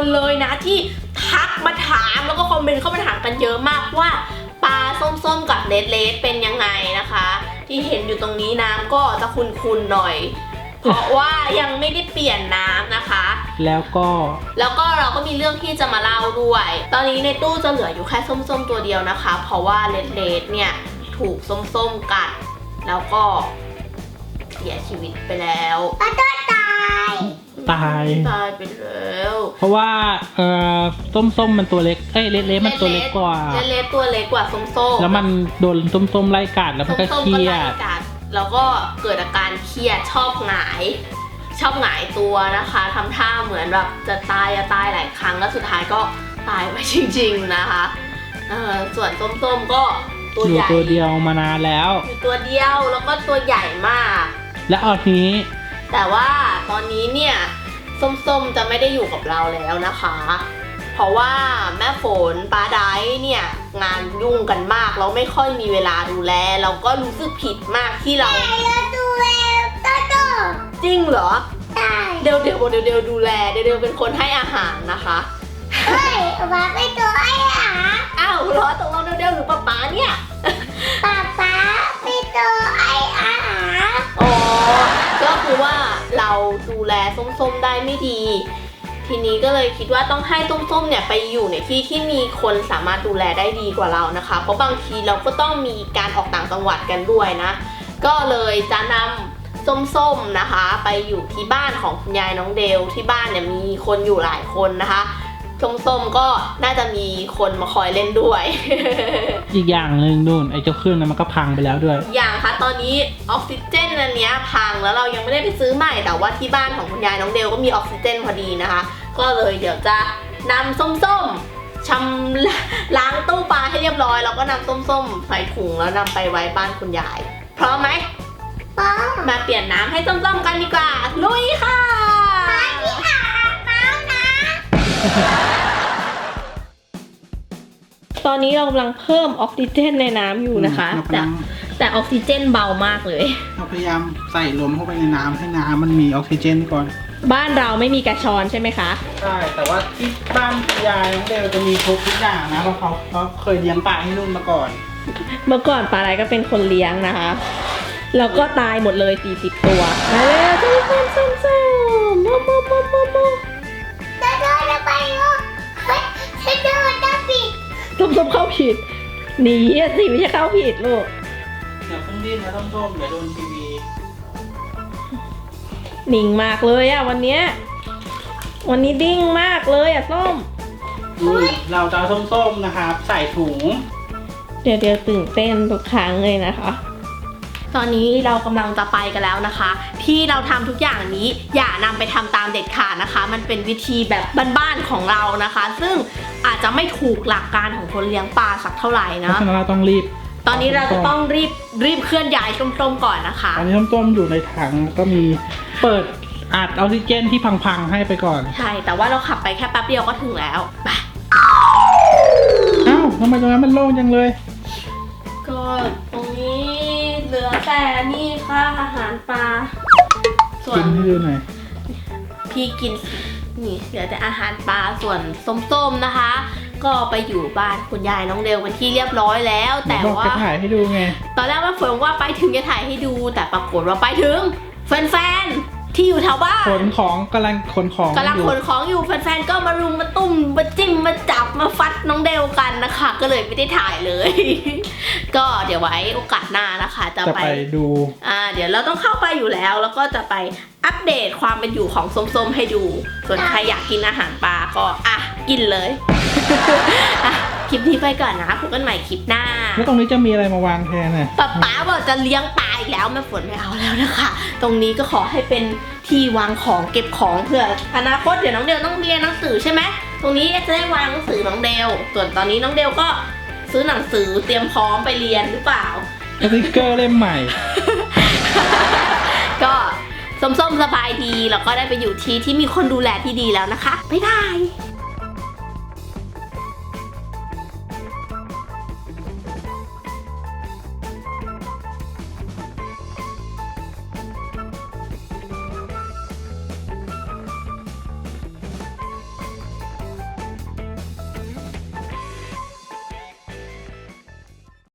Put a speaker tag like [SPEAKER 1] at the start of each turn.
[SPEAKER 1] เลยนะที่ทักมาถามแล้วก็คอมเมนต์เข้ามาถามกันเยอะมากว่าปลาส้มๆกับเลดเป็นยังไงนะคะที่เห็นอยู่ตรงนี้น้ำก็จะขุ่นๆหน่อยเพราะว่ายังไม่ได้เปลี่ยนน้ำนะคะ
[SPEAKER 2] แล้วก็
[SPEAKER 1] เราก็มีเรื่องที่จะมาเล่าด้วยตอนนี้ในตู้จะเหลืออยู่แค่ส้มๆตัวเดียวนะคะเพราะว่าเลดเนี่ยถูกส้มๆกัดแล้วก็เสียชีวิตไปแล้ว
[SPEAKER 2] ตาย
[SPEAKER 1] ไปแล้ว
[SPEAKER 2] เพราะว่าส้มมันตัวเล็กเลดมันตัวเล็กกว่า
[SPEAKER 1] เลดตัวเล็กกว่าส้ม
[SPEAKER 2] แล้วมันโดนส้มไล่กัดแล้วมันก็เครียด
[SPEAKER 1] แล้วก็เกิดอาการเครียดชอบหงายตัวนะคะทำท่าเหมือนแบบจะตายหลายครั้งแล้วสุดท้ายก็ตายไปจริงๆนะคะส่วนส้มก็ตัวใหญ่
[SPEAKER 2] ตัวเดียวมานานแล้ว
[SPEAKER 1] อยู่ตัวเดียวแล้วก็ตัวใหญ่มาก
[SPEAKER 2] และเอาทีนี้
[SPEAKER 1] แต่ว่าตอนนี้เนี่ยส้มจะไม่ได้อยู่กับเราแล้วนะคะเพราะว่าแม่ฝนป้าไดเนี่ยงานยุ่งกันมากเราไม่ค่อยมีเวลาดูแลเราก็รู้สึกผิดมากที่เรา
[SPEAKER 3] ดูแล
[SPEAKER 1] จริงเหรอเดี๋ยวดูแลเดี๋ยวเป็นคนให้อาหารนะคะ
[SPEAKER 3] เฮ้ยป้าไม่ตัวให้อาหาร
[SPEAKER 1] อ้าวเหรอตกลงเดี๋ยวหรือป้าเนี่ย
[SPEAKER 3] ป้าไม่ตัวให้อาหาร
[SPEAKER 1] อ๋อก็คือว่าเราดูแลส้มได้ไม่ดีทีนี้ก็เลยคิดว่าต้องให้ส้มเนี่ยไปอยู่ในที่มีคนสามารถดูแลได้ดีกว่าเรานะคะเพราะบางทีเราก็ต้องมีการออกต่างจังหวัดกันด้วยนะก็เลยจะนำส้มนะคะไปอยู่ที่บ้านของคุณยายน้องเดลที่บ้านเนี่ยมีคนอยู่หลายคนนะคะส้มก็น่าจะมีคนมาคอยเล่นด้วย
[SPEAKER 2] อีกอย่างหนึ่งนู่นไอ้เจ้าเครื่องนั้นมันก็พังไปแล้วด้วย
[SPEAKER 1] อย่างคะตอนนี้ออกซิเจนอันนี้พังแล้วเรายังไม่ได้ไปซื้อใหม่แต่ว่าที่บ้านของคุณยายน้องเดลก็มีออกซิเจนพอดีนะคะก็เลยเดี๋ยวจะนำส้มชำล้างตู้ปลาให้เรียบร้อยแล้วก็นำส้มใส่ถุงแล้วนำไปไว้บ้านคุณยายพร้อมไหมมาเปลี่ยนน้ำให้ส้มกันดีกว่าลุยค่ะตอนนี้เรากำลังเพิ่มออกซิเจนในน้ำอยู่นะคะแต่ออกซิเจนเบามากเลย
[SPEAKER 2] เราพยายามใส่ลมเข้าไปในน้ำให้น้ำมันมีออกซิเจนก่อน
[SPEAKER 1] บ้านเราไม่มีกระชอนใช่ไหมคะ
[SPEAKER 2] ใช่แต่ว่าที่บ้านยายน้องเดลจะมีทุกอย่างนะเพราะเขาเคยเลี้ยงปลาให้นุ่นมาก่อน
[SPEAKER 1] เมื่อก่อนปลาไหลก็เป็นคนเลี้ยงนะคะแล้วก็ตายหมดเลย40 ตัวมาแล้วส้มโม
[SPEAKER 3] จะไป
[SPEAKER 1] ส้มเข้าผิดหนีสิไม่ใช่เข้าผิดลูก
[SPEAKER 2] เดี๋ยวขึ้นดิ้นนะส้มเดี๋ยวโดนทีวี
[SPEAKER 1] นิ่งมากเลยอะวันนี้ดิ้งมากเลยอะส้ม
[SPEAKER 2] เราจะเอาส้มนะครับใส่ถุง
[SPEAKER 1] เดี๋ยวตื่นเต้นทุกครั้งเลยนะคะตอนนี้เรากำลังจะไปกันแล้วนะคะที่เราทำทุกอย่างนี้อย่านำไปทำตามเด็ดขาดนะคะมันเป็นวิธีแบบบ้านๆของเรานะคะซึ่งอาจจะไม่ถูกหลักการของคนเลี้ยงปลาสักเท่าไหร่นะ
[SPEAKER 2] เพราะฉะนั้นเราต้องรีบ
[SPEAKER 1] ตอนนี้เราจะต้องรีบเคลื่อนย้ายส้มๆก่อนนะคะ
[SPEAKER 2] ตอนนี้ส้มอยู่ในถังก็มีเปิดอัดออกซิเจนที่พังๆให้ไปก่อน
[SPEAKER 1] ใช่แต่ว่าเราขับไปแค่แป๊บเดียวก็ถึงแล้วไป
[SPEAKER 2] อ้าวทำไมตรงนั้นมันโล่งจังเลย
[SPEAKER 1] ก็ตรงนี้เหลือแต่นี่ค่ะอาหารปลา
[SPEAKER 2] ส่วนให้ดูหน่อย
[SPEAKER 1] พี่กินนี่เหลือแต่อาหารปลาส่วนส้มๆนะคะก็ไปอยู่บ้านคุณยายน้องเดลเป็นที่เรียบร้อยแล้วแต่ว่า
[SPEAKER 2] จะถ่ายให้ดูไง
[SPEAKER 1] ตอนแรกว่าฝนว่าไปถึงจะถ่ายให้ดูแต่ปรากฏว่าไปถึงแฟนที่อยู่แถวบ้าน
[SPEAKER 2] กำลังขน
[SPEAKER 1] ของอยู่แฟนๆก็มารุมมาตุ้มมาจิ้มมาจับมาฟัดน้องเดลกันนะคะก็เลยไม่ได้ถ่ายเลยก็เดี๋ยวไว้โอกาสหน้านะคะจะไป
[SPEAKER 2] ดู
[SPEAKER 1] เดี๋ยวเราต้องเข้าไปอยู่แล้วแล้วก็จะไปอัปเดตความเป็นอยู่ของส้มๆให้ดูส่วนใครอยากกินอาหารปลาก็กินเลยคลิปนี้ไปก่อนนะพบกันใหม่คลิปหน้า
[SPEAKER 2] แล้วตรงนี้จะมีอะไรมาวางแทนน่ะ
[SPEAKER 1] ป๊าบอกจะเลี้ยงปลาอีกแล้วแม่ฝนไม่เอาแล้วนะคะตรงนี้ก็ขอให้เป็นที่วางของเก็บของเพื่ออนาคตเดี๋ยวน้องเดลต้องเรียนหนังสือใช่ไหมตรงนี้จะได้วางหนังสือน้องเดลส่วนตอนนี้น้องเดลก็ซื้อหนังสือเตรียมพร้อมไปเรียนหรือเปล่า
[SPEAKER 2] สติ๊กเกอร์เล่มใหม่
[SPEAKER 1] ก็ส้มๆสบายดีแล้วก็ได้ไปอยู่ที่มีคนดูแลที่ดีแล้วนะคะบ๊ายบาย